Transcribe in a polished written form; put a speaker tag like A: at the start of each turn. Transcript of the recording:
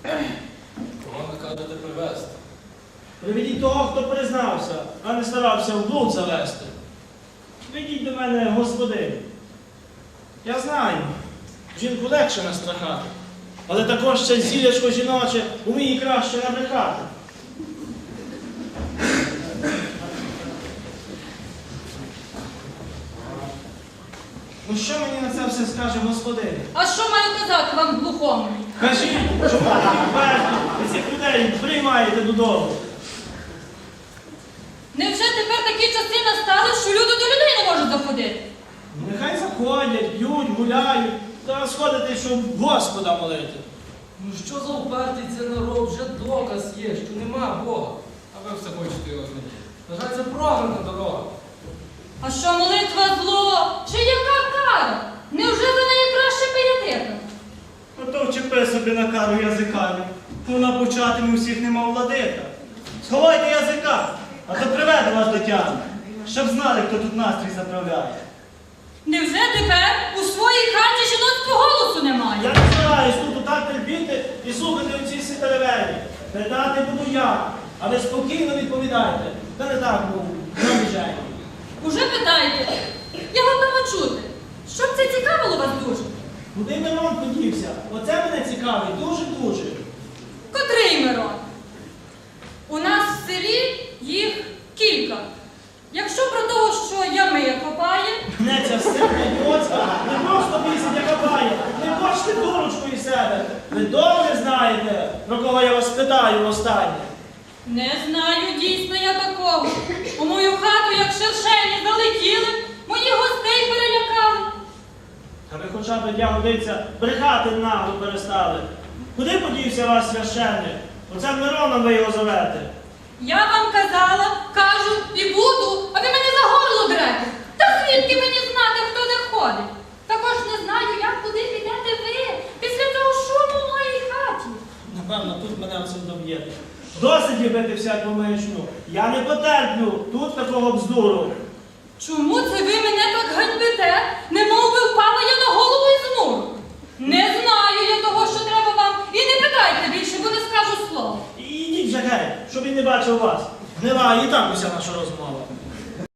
A: Кого накажете привезти?
B: Приведіть того, хто признався, а не старався в блуд завести. Ведіть до мене господиню. Я знаю, жінку легше настрахати, але також ще зілячко жіноче уміє краще набрехати. Ну що мені на це все скаже господиня?
C: А що маю казати вам глухому?
B: Кажіть, чому ви відверто і цих людей приймаєте додому?
C: Невже тепер такі часи настали, що люди до людей не можуть заходити?
B: Нехай заходять, п'ють, гуляють, та сходити, щоб Господа молити.
A: Ну що за упертий це народ? Вже доказ є, що нема Бога. А ви все хочете його знайти. На жаль, це програна дорога.
C: А що молитва зло? Чи яка кара? Невже за неї краще пиятика?
D: Ото вчепи собі на кару язиками. Вона початиме усіх нема владика. Сховайте язика, а то приведе вас до тями, щоб знали, хто тут настрій заправляє.
C: Невже тепер у своїй хаті жіноцького голосу немає?
B: Я не стараюсь тут отак терпіти і слухати оці ситаревелі. Питати буду я, а ви спокійно відповідайте. Та не так, мов, на біжені.
C: Уже питаєте? Я готова чути. Щоб це цікавило вас дуже?
B: Куди Мирон подівся? Оце мене цікавить дуже-дуже.
C: Котрий Мирон? У нас в селі їх кілька. Якщо про того, що ями копає,
B: Мене ця сильна доцька не просто місяць копає. Не бачите дурочку із себе. Ви добре знаєте, про кого я вас питаю останнє.
C: не знаю дійсно я такого. У мою хату, як шершені, залетіли, моїх гостей перелякали.
B: Та ви хоча б для годиться брехати нагло перестали. Куди подівся ваш священник? Оце Мироном ви його зовете.
C: Я вам казала, кажу і буду, а ви мене за горло дрете. Та звідки мені знати, хто де ходить? Також не знаю, як куди підете ви після того шуму в моїй хаті.
B: Напевно, тут мене все доб'єте. Досить любити всяку маячню. Я не потерплю тут такого бздуру.
C: Чому це ви мене так ганьбите, немов би впала я на голову із муру? Не знаю я того, що треба вам, і не питайте більше, бо не скажу слова.
B: І йдіть вже геть, щоб він не бачив вас. Гнила і так уся наша розмова.